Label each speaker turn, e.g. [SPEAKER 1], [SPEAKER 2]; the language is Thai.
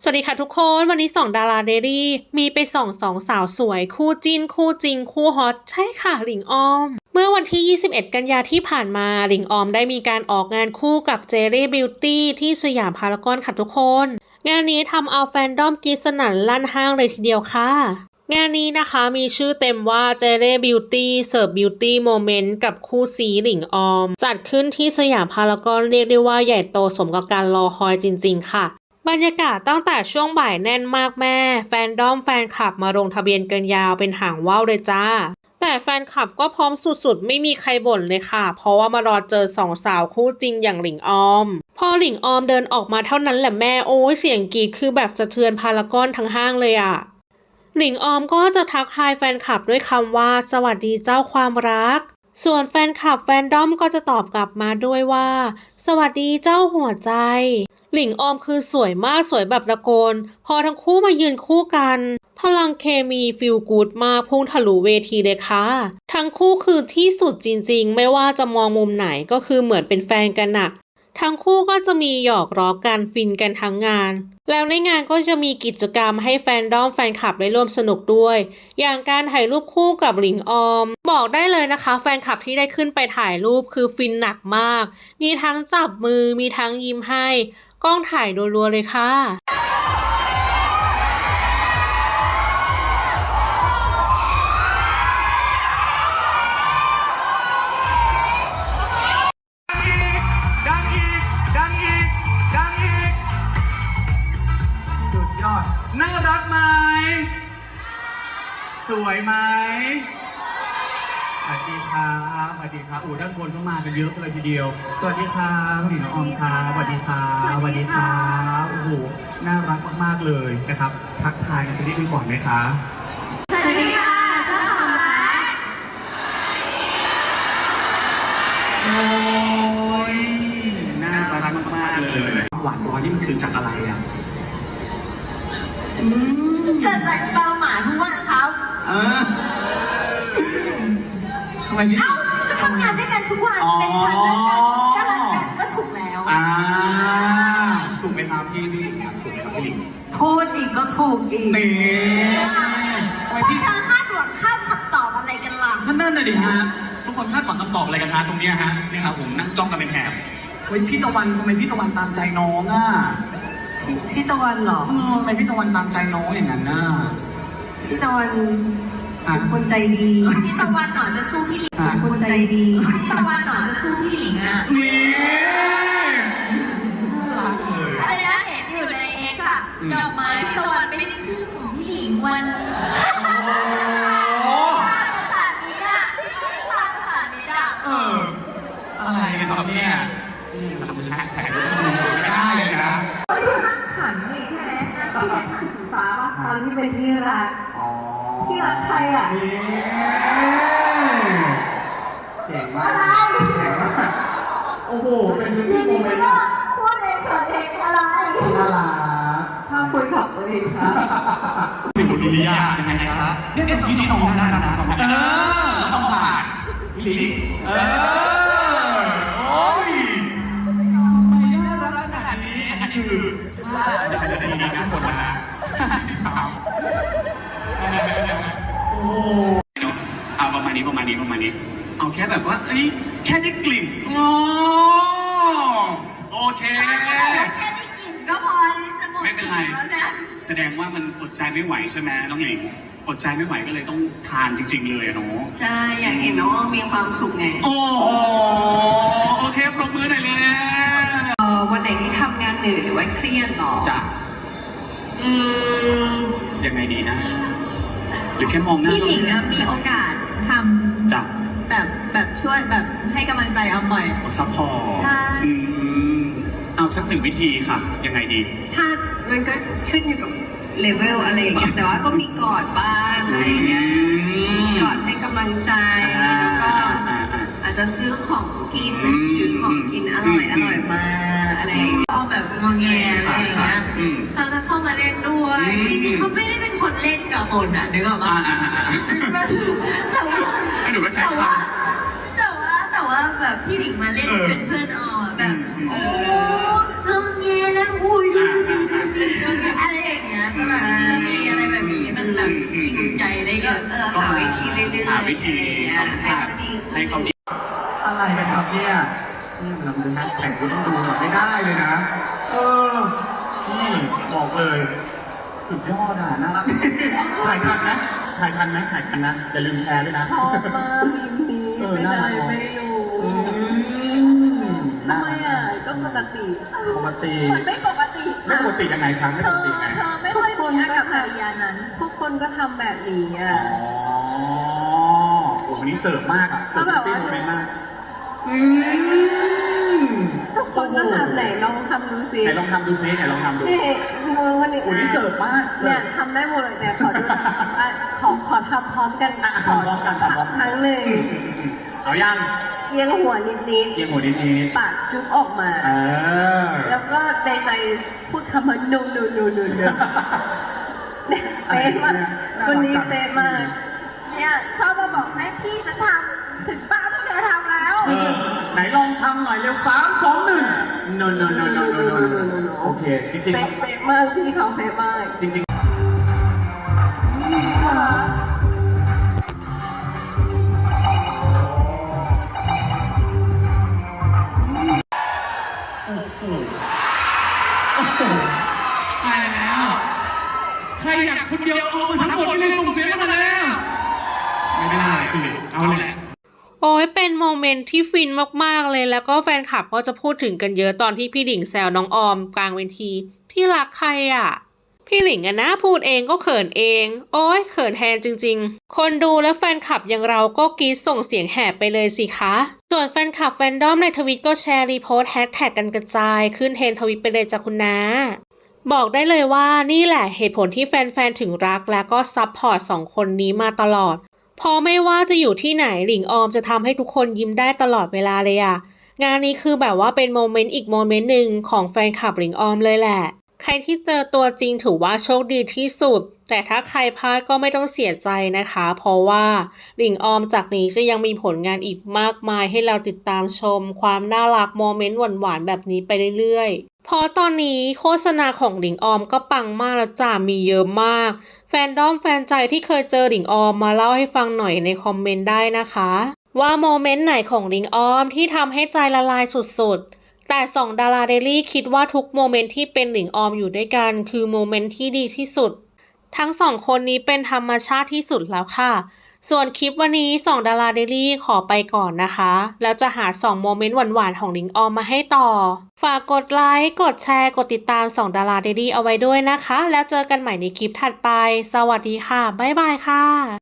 [SPEAKER 1] สวัสดีค่ะทุกคนวันนี้ส่องดาราเดลี่มีไปส่องสองสาวสวยคู่จิ้นคู่จริงคู่ฮอตใช่ค่ะหลิงออมเมื่อวันที่ 21 กันยาที่ผ่านมาหลิงออมได้มีการออกงานคู่กับเจเร่บิวตี้ที่สยามพารากอนค่ะทุกคนงานนี้ทำเอาแฟนดอมกรี๊ดสนั่นลั่นห้างเลยทีเดียวค่ะงานนี้นะคะมีชื่อเต็มว่าเจเร่บิวตี้เสิร์ฟบิวตี้โมเมนต์กับคู่ซีหลิงออมจัดขึ้นที่สยามพารากอนเรียกได้ว่าใหญ่โตสมกับการรอคอยจริงๆค่ะบรรยากาศตั้งแต่ช่วงบ่ายแน่นมากแม่แฟนดอมแฟนคลับมาลงทะเบียนกันยาวเป็นหางว่าวเลยจ้าแต่แฟนคลับก็พร้อมสุดๆไม่มีใครบ่นเลยค่ะเพราะว่ามารอเจอสองสาวคู่จริงอย่างหลิงออมพอหลิงออมเดินออกมาเท่านั้นแหละแม่โอ้ยเสียงกรีดคือแบบสะเทือนพารากอนทั้งห้างเลยอะหลิงออมก็จะทักทายแฟนคลับด้วยคำว่าสวัสดีเจ้าความรักส่วนแฟนคลับแฟนดอมก็จะตอบกลับมาด้วยว่าสวัสดีเจ้าหัวใจหลิงออมคือสวยมากสวยแบบตะโกนพอทั้งคู่มายืนคู่กันพลังเคมีฟีลกู๊ดมากพุ่งทะลุเวทีเลยค่ะทั้งคู่คือที่สุดจริงๆไม่ว่าจะมองมุมไหนก็คือเหมือนเป็นแฟนกันน่ะทั้งคู่ก็จะมีหยอกล้อกันฟินกันทั้งงานแล้วในงานก็จะมีกิจกรรมให้แฟนดอมแฟนคลับได้ร่วมสนุกด้วยอย่างการถ่ายรูปคู่กับหลิงออมบอกได้เลยนะคะแฟนคลับที่ได้ขึ้นไปถ่ายรูปคือฟินหนักมากมีทั้งจับมือมีทั้งยิ้มให้กล้องถ่ายรัวๆเลยค่ะ
[SPEAKER 2] สุดยอดน่ารักไหมสวยไหมสวัสดีครับสวัสดีครับด้านบนก็มากันเยอะเลยทีเดียวสวัสดีครับหลิงออมครับสวัสดีครับสวัสดีครับโอ้โหน่ารักมากๆเลยนะครับทักทายกันสักนิดนึงก่อนไหมคะ
[SPEAKER 3] สวัสดีค่ะเจ้าของร้าน
[SPEAKER 2] โอ้ยน่ารักมากๆเลยหวานร้อยนี่มันคือจากอะไรอ่ะ
[SPEAKER 3] เกิดจากเตาหมาทุกวันครับ
[SPEAKER 2] ทำไมพี่
[SPEAKER 3] จะทำงานด้วยกันทุกวันเป็นพันก็รักกันก็ถูกแล้ว
[SPEAKER 2] ถูกไหมครับพี่ถูกไหมครับพี่ลิง
[SPEAKER 3] พูดอีกก็ถูกอีก
[SPEAKER 2] นี่
[SPEAKER 3] พวกเธอคาดหวังคาดคำตอบอะไรกันล่ะ
[SPEAKER 2] นั่นน่ะดิฮะทุกคนคาดหวังคำตอบอะไรกันฮะตรงนี้ฮะนี่ครับผมนั่งจ้องกันเป็นแถบเฮ้ยพี่ตะวันทำไมพี่ตะวันตามใจน้องอ่ะ
[SPEAKER 3] พี่ตะวันเหรอ
[SPEAKER 2] ทำไมพี่ตะวันตามใจน้องอย่างนั้นน่ะ
[SPEAKER 3] พี่ตะวันเป็นคนใจดีพี่ตะวันหนอจะสู้พี่หลิงเป็นคนใจดีพี่ตะวันหนอจะสู้พี่หลิงอ่ะ
[SPEAKER 2] นี่
[SPEAKER 3] อะไรนะเห็นอยู่ในเอ็กซ์อะดอกไม้พี่ตะวันเป็นชื่อของพี่หลิงวันภาษานี้อะภาษานี้อะ
[SPEAKER 2] อะไรกันครับเนี่ยมันคือแฮชแท็กดูไม่ได้เลยนะ
[SPEAKER 3] ขันนี่ใช่ไหมที่เป็นขันสีฟ้าป่ะตอนที่เป็นที่รักที่รักใครอ่ะ
[SPEAKER 2] เก่งมากเก่งมากโอ้โหเป็นที่โมเมนต์
[SPEAKER 3] พูดเองเถิดเองอะไร
[SPEAKER 2] น่ารัก
[SPEAKER 3] ชอบคุยกับตัวเองครับ
[SPEAKER 2] เป็นบุตรลียายังไงครับเนี่ยตรงนี้น้องได้แล้วนะต้องผ่านลิลิโอ้ยทำไมน่ารักขนาดนี้อันนี้คือจะดีนะคนนะ13โอ้เอาประมาณนี้เอาแค่แบบว่าแค่ได้กลิ่นโอเค
[SPEAKER 3] แค่ได้กลิ่นก็พอที่จะหมด
[SPEAKER 2] ไม่เป็นไรแสดงว่ามันอดใจไม่ไหวใช่ไหมน้องหญิงอดใจไม่ไหวก็เลยต้องทานจริงๆเลยอะเนาะ
[SPEAKER 3] ใช่อยากเห็นน้องมีความสุขไง
[SPEAKER 2] โอเคปรบมือหน่อยเลย
[SPEAKER 3] วันไหนที่ทำงานเหนื่อยหรือว่าเครียดหรอ
[SPEAKER 2] จ้ะยังไงดีนะหรือแค่มองหน้า
[SPEAKER 4] พี่หลิงมีโอกาสทำ
[SPEAKER 2] จ้ะ
[SPEAKER 4] แบบช่วยแบบให้กำลังใจเอาบ่อย
[SPEAKER 2] ซัพพอร์ต
[SPEAKER 4] ใช่
[SPEAKER 2] เอาสัก1 วิธีค่ะยังไงดี
[SPEAKER 3] ถ้ามันก็ขึ้นอยู่กับเลเวลอะไรอย่างเงี้ยแต่ว่าก็มีกอดบ้างอะไรอย่างเงี้ยกอดให้กำลังใจแล้วก็อาจจะซื้อของกินหรือของกินอร่อยมาอะไรอย่างเงี้ยเอาแบบงอแงอะไรอย่างเงี้ยเขาจะเข้ามาเล่นด้วยจริงๆเขาไม่ได้เป็นคนเล่นกับคนอ่ะนึกออกปะแต่ว่าแบบพี่หลิงมาเล่นเป็นเพื่อนออแบบโอ้งอแงนะอุ้ยดูสิอะไร
[SPEAKER 2] ทีสัมผัสให้เขาดีอะไรกันครับเนี่ยเราดูแฮชแท็กก็ต้องดูหน่อยไม่ได้เลยนะนี่บอกเลยสุดยอดอ่ะน่ารักถ่ายทันนะอย่าลืมแชร์ด้วยนะ
[SPEAKER 3] ชอบมากมีไม่ได้ไม่อยู่ทำไมอ่ะก็ปกติ
[SPEAKER 4] มันไม่ปกติ
[SPEAKER 2] ไม่ปกติยังไงครับไม่ปกติไง
[SPEAKER 4] เธอไม่ค่อยมีอากับกิริยานั้น
[SPEAKER 3] ทุกคนก็ทำแบบนี้อ่ะ
[SPEAKER 2] โอ้วันนี้เสิร์ฟมากอ่ะเสิร์ฟติ้งโมเมนต์มาก
[SPEAKER 3] ทุกคนก็ทำไหนลองทำดูสิ
[SPEAKER 2] ไหนลองทำดูซิไหนลองทำดู
[SPEAKER 3] นี่มือวันนี้
[SPEAKER 2] โอ้นี่เสิร์ฟมาก
[SPEAKER 3] เนี่ยทำได้หมดเลยเนี่ยขอดูขอทำพร้อมกัน
[SPEAKER 2] ทำพร้อมกัน
[SPEAKER 3] ครั้งหนึ่ง
[SPEAKER 2] เอายัง
[SPEAKER 3] เอียงหัวนิด
[SPEAKER 2] เอียงหัวนิด
[SPEAKER 3] ๆปากจุ๊บออกมา แล้วก็ในใจพูดคำว่า no เป๊ะมากคนนี้เป๊ะมาก
[SPEAKER 4] เนี่ยชอบมาบอกให้พี่จะทำถึงป้าพวกเธอทำแล้ว
[SPEAKER 2] ไหนลองทำหน่อยเร็ว3 2 1 no โอเคจริง
[SPEAKER 3] เป๊ะมากพี่เขาเป๊ะมาก
[SPEAKER 2] จริงโอ้โหตายแล้วใครอยากคนเดียวเอาไปทั้งหมดนี่เลยส่งเสียงมาแล้วไม่ได้สิเอาแหละ
[SPEAKER 1] โอ้ยเป็นโมเมนต์ที่ฟินมากๆเลยแล้วก็แฟนคลับก็จะพูดถึงกันเยอะตอนที่พี่หลิงแซวน้องออมกลางเวทีที่รักใครอ่ะพี่หลิงอะนะพูดเองก็เขินเองโอ้ยเขินแทนจริงๆคนดูและแฟนคลับอย่างเราก็กรี๊ดส่งเสียงแหบไปเลยสิคะส่วนแฟนคลับแฟนดอมในทวิตก็แชร์รีโพสต์แฮชแท็กกันกระจายขึ้นเทรนด์ทวิตไปเลยจ้ะคุณน้าบอกได้เลยว่านี่แหละเหตุผลที่แฟนๆถึงรักและก็ซัพพอร์ตสองคนนี้มาตลอดเพราะไม่ว่าจะอยู่ที่ไหนหลิงออมจะทำให้ทุกคนยิ้มได้ตลอดเวลาเลยอะงานนี้คือแบบว่าเป็นโมเมนต์อีกโมเมนต์หนึ่งของแฟนคลับหลิงออมเลยแหละใครที่เจอตัวจริงถือว่าโชคดีที่สุดแต่ถ้าใครพลาดก็ไม่ต้องเสียใจนะคะเพราะว่าหลิงออมจากนี้จะยังมีผลงานอีกมากมายให้เราติดตามชมความน่ารักโมเมนต์หวานๆแบบนี้ไปเรื่อยๆเพราะตอนนี้โฆษณาของหลิงออมก็ปังมากแล้วจ้ามีเยอะมากแฟนด้อมแฟนใจที่เคยเจอหลิงออมมาเล่าให้ฟังหน่อยในคอมเมนต์ได้นะคะว่าโมเมนต์ไหนของหลิงออมที่ทำให้ใจละลายสุดๆแต่สองดาราเดลี่คิดว่าทุกโมเมนต์ที่เป็นหลิงออมอยู่ด้วยกันคือโมเมนต์ที่ดีที่สุดทั้งสองคนนี้เป็นธรรมชาติที่สุดแล้วค่ะส่วนคลิปวันนี้2ดาราเดลี่ขอไปก่อนนะคะแล้วจะหา2โมเมนต์หวานๆของหลิงออมมาให้ต่อฝากกดไลค์กดแชร์กดติดตาม2ดาราเดลี่เอาไว้ด้วยนะคะแล้วเจอกันใหม่ในคลิปถัดไปสวัสดีค่ะบ๊ายบายค่ะ